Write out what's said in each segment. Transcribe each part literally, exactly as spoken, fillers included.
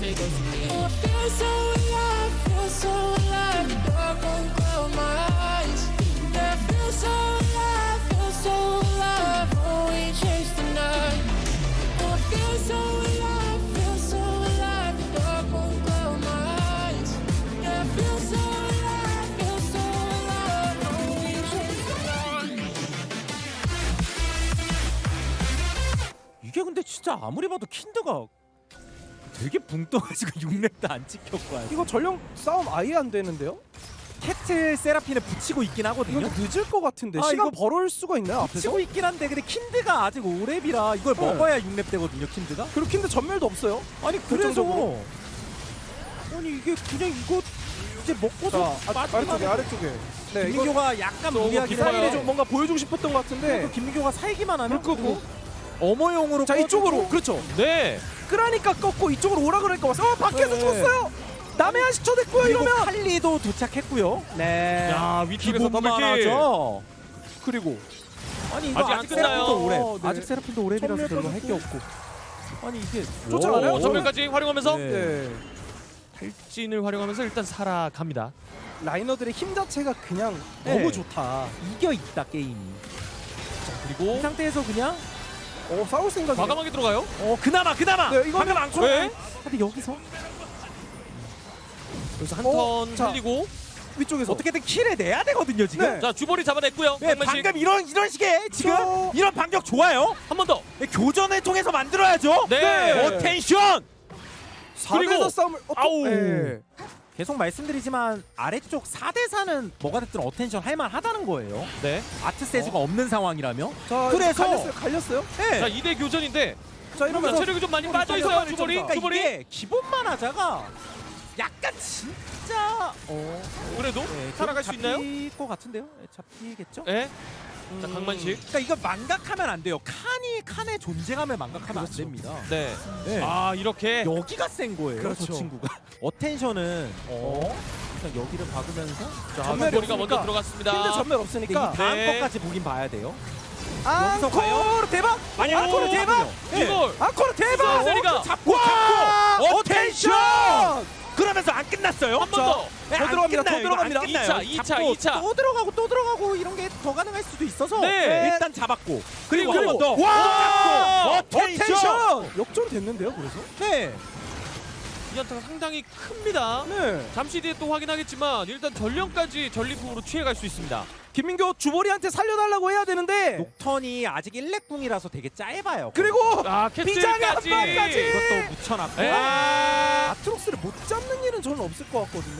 it goes to me. I feel so alive, feel so alive. The dark won't cloud my eyes. Yeah, I feel so alive, feel so alive. Oh, we chase the night. Oh, I feel so alive, feel so alive. The dark won't cloud my eyes. Yeah, I feel so alive, feel so alive. Oh, we chase the night. 이게 근데 진짜 아무리 봐도 킨드가 되게 붕 떠가지고 육 렙도 안 찍혔고 아직. 이거 전령 싸움 아예 안 되는데요? 캐틀 세라핀에 붙이고 있긴 하거든요. 이거 늦을 것 같은데 아, 시간 이거 벌어올 수가 있나요 앞에서? 붙이고 있긴 한데 근데 킨드가 아직 오 렙이라 이걸 네. 먹어야 육 렙 되거든요. 킨드가. 그리고 킨드 전멸도 없어요. 아니 그래서 결정적으로. 아니 이게 그냥 이거 이제 먹고서 자 아, 아래쪽에 아래쪽에. 네 이거 김민교가 약간 무리하게 기사일이 사이를 좀 뭔가 보여주고 싶었던 것 같은데. 그 김민교가 살기만 하면 불 끄고. 어머용으로 자 이쪽으로 그렇죠. 네. 끄라니까 꺾고 이쪽으로 오라 그러니까 왔어. 어 밖에서 네. 죽었어요. 남의 한 십 초 됐고요 그리고 이러면. 칼리도 도착했고요. 네. 야 위쪽에서 기분만 더블킬. 하죠. 그리고 아니 이거 아직 안 아직 끝나요. 세라핀도 오래. 네. 아직 세라핀도 오래이라서 전멸 별로 할 게 빠졌고. 없고. 아니 이게 쫓아가나요? 오, 전면까지 활용하면서 네. 네. 탈진을 활용하면서 일단 살아갑니다. 라이너들의 힘 자체가 그냥 네. 너무 좋다. 이겨 있다 게임이. 이 그리고 상태에서 그냥 어 싸울 생각이. 과감하게 들어가요. 어 그나마 그나마. 네, 이거는 방금 안 쳐. 네. 근데 여기서 여기서 한 어, 턴 자. 흘리고 위쪽에서. 어떻게든 킬을 내야 되거든요 지금. 네. 자 주벌이 잡아냈고요. 네, 방만식 방금 이런 이런 식의 지금 저- 이런 반격 좋아요. 한 번 더. 네, 교전을 통해서 만들어야죠. 네. 어텐션. 사 그리고- 대사 싸움을 어, 또- 아우. 네. 계속 말씀드리지만 아래쪽 사 대 사는 뭐가 됐든 어텐션 할만하다는 거예요. 네. 아트 세주가 없는 상황이라면. 자 그래서- 갈렸어요. 갈렸어요. 네. 자 이 대 교전인데 자 자, 이러면서 체력이 좀 많이 어, 빠져 있어요. 빨리 주벌이. 점사. 그러니까 주벌이. 이게 기본만 하자가 약간 진짜 어 그래도 네, 살아갈 수 있나요? 잡힐 것 같은데요? 네, 잡히겠죠? 네. 자 강만식. 그러니까 이거 망각하면 안 돼요. 칸이 칸의 존재감을 망각하면 안 됩니다. 네. 네. 아 이렇게. 여기가 센 거예요. 그렇죠. 저 친구가. 어텐션은 어 그냥 여기를 박으면서 자 전멸이 주벌이가 먼저 없으니까. 들어갔습니다. 킨드 전멸 근데 이 없으니까. 다음 네. 것까지 보긴 봐야 돼요. 앙코르 과연? 대박. 아니 오, 앙코르 대박. 네. 이걸 앙코르 대박. 세리가 잡고 와! 잡고 어텐션. 그러면서 안 끝났어요. 한 번 더. 네, 더 안 들어갑니다, 더 끝나요. 이거 안 들어갑니다. 끝나요. 이 차, 이 차, 잡고 이 차. 또 들어가고 또 들어가고 이런 게 더 가능할 수도 있어서 네. 일단 잡았고 그리고 그리고 한 번 더. 와! 잡고 어텐션. 어텐션. 역전 됐는데요, 그래서? 네. 이 연타가 상당히 큽니다. 네. 잠시 뒤에 또 확인하겠지만 일단 전령까지 전리품으로 취해갈 수 있습니다. 김민교 주보리한테 살려달라고 해야 되는데. 녹턴이 아직 일렉궁이라서 되게 짧아요. 그리고 아 비장의 한 캐틀까지. 방까지! 이것도 묻혀놨고 네. 아, 아트록스를 못 잡는 일은 저는 없을 것 같거든요.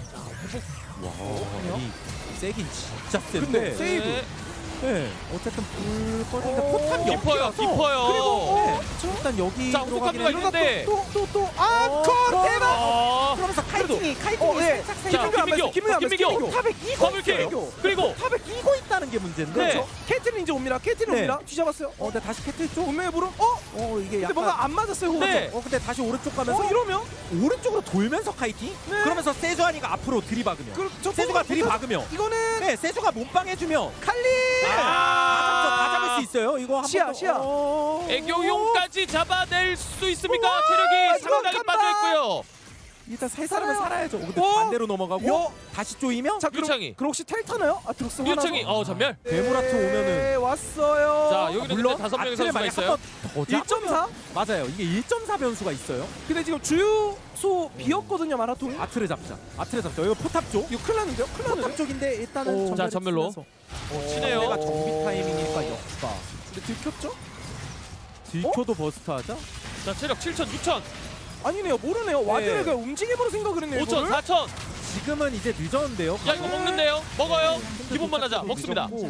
와, 이 세긴 진짜 센데. 근데 세이브. 네. 네. 어쨌든 불 꺼진다. 오, 포탑 깊어요, 여기라서. 깊어요. 그리고 어, 네. 일단 여기 자, 들어가긴 호흡감도가 했는데 있는데. 또또또 어, 앙코르 대박. 아, 그러면서 카이팅이 카이팅이 어, 네. 살짝 자, 살짝 김민교, 김민교, 김민교. 김민교. 탑에 끼고 더블킬. 있어요. 그리고 탑에 끼고 있다는 게 문제인데. 네. 그렇죠. 캐틀린 이제 옵니다. 캐틀린 네. 옵니다. 뒤잡았어요. 어, 근데 다시 캐틀 쪽. 운명의 부름. 어? 어, 이게 근데 약간 뭔가 안 맞았어요. 호흡. 네. 어, 근데 다시 오른쪽 가면서 어 이러면 오른쪽으로 돌면서 카이팅? 네. 그러면서 세주아니가 앞으로 들이박으면. 그, 저 세주가 뽑아- 들이박으면. 이거는 네, 세주가 몸빵 해주면 칼리. 다 잡죠, 다 잡을 수 있어요. 이거 한 시야, 번 더. 시야. 어... 애교용까지 잡아낼 수 있습니까? 우와, 체력이 이거 상당히 간다. 빠져 있고요. 일단 살 사람은 살아요. 살아야죠. 근데 어? 반대로 넘어가고 여. 다시 쪼이면 자, 그럼, 유창이. 그럼 혹시 텔 타나요? 아트록스 유청이 어 전멸. 괴물아트 오면은 네, 왔어요. 자 여기는 근데 다섯 명의 아트를 선수가 만약 있어요. 한번더 일 점 사. 맞아요. 이게 일 점 사 변수가 있어요. 근데 지금 주유소 비었거든요, 마라톤이. 아트를 잡자. 아트를 잡자. 이거 포탑 쪽. 이거 큰일 났는데요? 큰일 포탑 났는데요? 쪽인데 일단은 오. 전멸을 자, 전멸로. 쓰면서. 어, 치네요. 내가 정비 타이밍이니까 역바. 근데 들켰죠? 들켜도 버스트하자. 자 체력 칠천, 육천, 아니네요, 모르네요. 와드를 그냥 움직임으로 생각을 했네요. 오천, 이거를. 사천. 지금은 이제 늦었는데요. 야 이거 먹는데요? 먹어요. 기본만 하자. 먹습니다. 늦었고.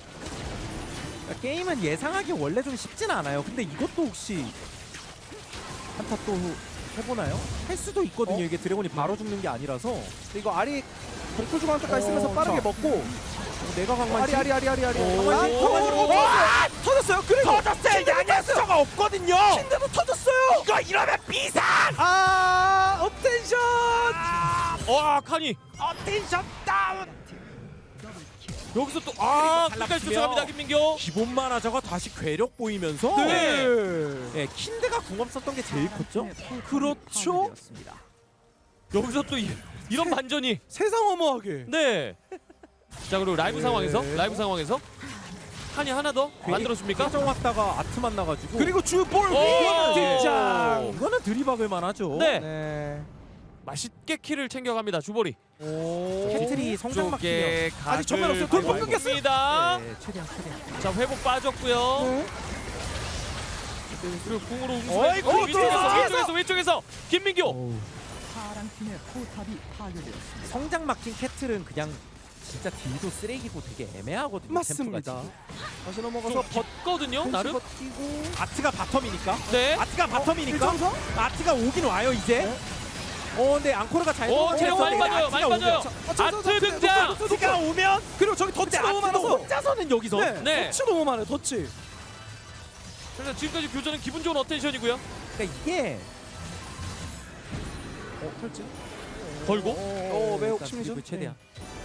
그러니까 게임은 예상하기 원래 좀 쉽진 않아요. 근데 이것도 혹시 한타 또 해보나요? 할 수도 있거든요. 어? 이게 드래곤이 바로 죽는 게 아니라서. 근데 이거 아리 공포 중앙까지 어, 쓰면서 빠르게 자. 먹고. 내가 강만 아리 아리 아리 아리 아리. 오. 아, 오. 터졌어요. 오. 와! 터졌어요. 그리고 터졌어요. 양양수가 없거든요. 킨드도 터졌어요. 이거 이러면 비상. 아, 업텐션. 와 칸이. 어텐션 다운. 여기서 또 아, 그리고 끝까지 탈락시며. 쫓아갑니다. 김민교. 기본만 하자가 다시 괴력 보이면서 네. 예, 킨드가 궁합 썼던 게 제일 컸죠. 그렇죠. 여기서 또 이, 이런 반전이. 세상 어마하게. 네. 자, 그리고 라이브 네. 상황에서 라이브 상황에서 한이 하나 더 만들어줍니까? 최종 왔다가 아트 만나가지고 그리고 주볼 오! 뒷장. 이거는 드리박을 만하죠. 네. 네. 맛있게 키를 챙겨갑니다. 주보리. 오. 캐틀이 성장 막히며 쪽에 아직 전면 없어요. 각을 돌풍 끊겼어요. 봅니다. 네, 최대한 최대한. 자, 회복 빠졌고요. 네. 그리고 궁으로 어이, 웅수가 그것도 위쪽에서 뒤에서! 위쪽에서 위쪽에서 김민교. 어우, 성장 막힌 캐틀은 그냥 진짜 딜도 쓰레기고 되게 애매하거든요. 맞습니다. 템포가 다시 좀 넘어가서 버 벗거든요. 나름. 버티고. 지금. 아트가 바텀이니까. 네. 아트가 바텀이니까. 일정서? 아트가 오긴 와요 이제. 어 근데 앙코르가 잘 오, 체력 많이 들어갔는데 빠져요. 많이 아트가 빠져요. 오면- 아, 저, 저, 저, 아트 저, 등장. 저, 저, 저, 아트가 오면 그리고 저기 덧치 근데 너무 아트도 많아서. 혼자서는 여기서. 네. 네. 덧치 너무 많아요. 덧치. 그래서 지금까지 교전은 기분 좋은 어텐션이고요. 그러니까 이게 어, 털지. 걸고. 오, 매혹 일단 심리전. 드리블 최대한.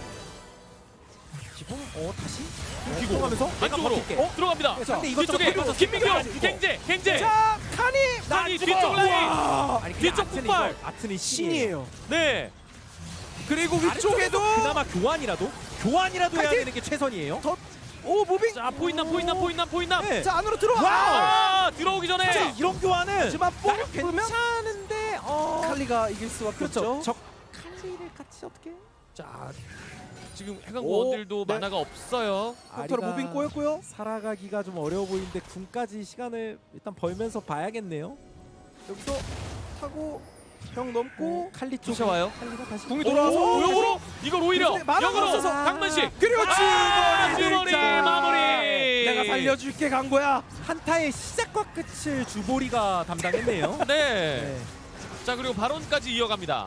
기본 어 다시 기고. 가면서 왼쪽으로 어? 들어갑니다. 자, 근데 이것저것 뒤쪽에 걸면서 김민교. 스피드가 갱제 갱제. 자, 칸이. 칸이 죽어. 뒤쪽 라인. 와. 아니, 뒤쪽 뒤쪽 아트는 폭발. 이거, 아트는 신이에요. 신이에요. 네. 그리고 아래쪽에도 위쪽에도 그나마 교환이라도 교환이라도 해야 파이팅! 되는 게 최선이에요. 덧. 오, 무빙. 자, 포인남 포인남 포인남 포인남. 네. 자, 안으로 들어와. 아, 들어오기 전에. 사실 이런 교환은 하지만 나름 뽑으면 괜찮은데 어 칼리가 이길 수밖에 그렇죠. 없죠. 적 칼리를 같이 어떻게? 자, 지금 해강고 오, 원딜도 네. 만화가 없어요. 닥터로 무빙 꼬였고요. 살아가기가 좀 어려워 보이는데 군까지 시간을 일단 벌면서 봐야겠네요. 여기서 타고 형 넘고 칼리 쪽 쫓아와요. 칼리가 다시 궁이 돌아와서 오, 역으로 이걸 오히려 근데 만화가 역으로 없어서. 강만식. 그리고 아, 주머니 주머니 등장. 마무리. 내가 살려줄게 간 거야. 한타의 시작과 끝을 주보리가 담당했네요. 네. 네. 자, 그리고 발언까지 이어갑니다.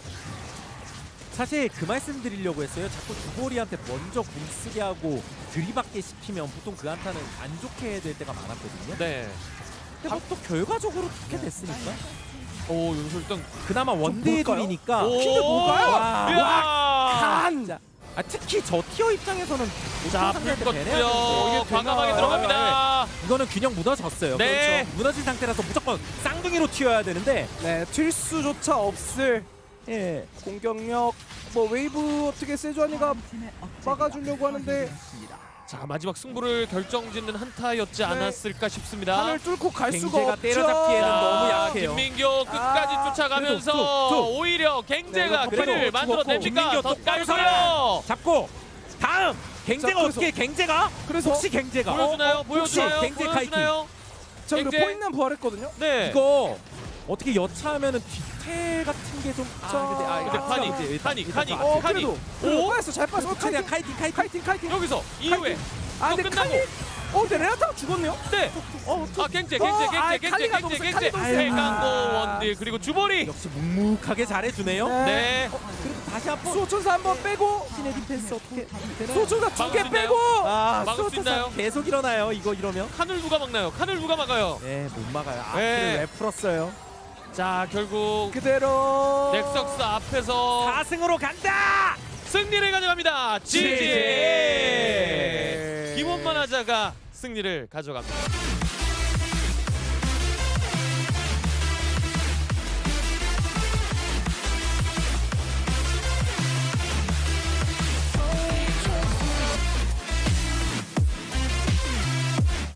사실 그 말씀 드리려고 했어요. 자꾸 주보리한테 먼저 공 쓰게 하고 들이받게 시키면 보통 그 한타는 안 좋게 해야 될 때가 많았거든요. 네. 근데 뭐 또 결과적으로 좋게 됐으니까. 오, 여기서 일단 그나마 원딜이니까. 오, 핀드 뭘까요? 와. 이야. 간. 자, 아, 특히 저 티어 입장에서는 자, 상대한테 불 배려야 되는데 껐고요. 이게 과감하게 되나요? 들어갑니다. 이거는 균형 무너졌어요. 네. 그렇죠. 무너진 상태라서 무조건 쌍둥이로 튀어야 되는데 네, 튈 수조차 없을 예. 공격력. 뭐 웨이브 어떻게 세주아니가 막아주려고 하는데 자, 마지막 승부를 결정짓는 한타였지 않았을까 싶습니다. 판을 뚫고 갈 수가 갱제가 없죠. 때려잡기에는 자, 너무 약해요. 김민교 끝까지 아, 쫓아가면서 그래도 툭, 툭. 오히려 갱제가 네, 그래도 끈을 만들어냅니까? 김민교 더 똑바로 깔서요. 잡고 다음 갱제가 자, 어떻게 갱제가 그래서 혹시 갱제가 보여주나요? 어, 어, 보여주나요? 혹시 갱제 카이팅 보여주나요? 자, 그리고 갱제. 포인트 부활했거든요. 네. 이거 어떻게 여차하면은 디테일 같은 게 좀 아, 자, 근데 아, 근데 아트가 칸이, 이제 일단- 칸이, 일단 칸이. 좀 어, 아트- 칸이. 그래도 오? 오, 빠졌어. 잘 빠졌어. 최대한 카이팅. 카이팅 카이팅 카이팅 카이팅. 여기서 이후에 아, 또 근데 끝나고. 칸이 어, 근데 레나타가 죽었네요. 네. 어, 아, 갱제, 어, 갱제, 아, 갱제, 갱제, 칼리가 갱제, 너무 갱제. 칼리가 너무 해강고 아. 원딜 그리고 주보리. 역시 묵묵하게 잘해주네요. 네. 그리고 다시 한번 수호천사 한번 빼고 신의 디펜스 어떻게 되나요? 수호천사 두 개 막을 수 빼고 아, 막을 수 수호천사 있나요? 계속 일어나요. 이거 이러면 칸을 누가 막나요? 칸을 누가 막아요? 네, 못 막아요. 아, 네. 그래 왜 풀었어요? 자, 결국 그대로 넥석스 앞에서 사 승으로 간다! 승리를 가져갑니다. 지지. 지지. 김원만 하자가 승리를 가져갑니다.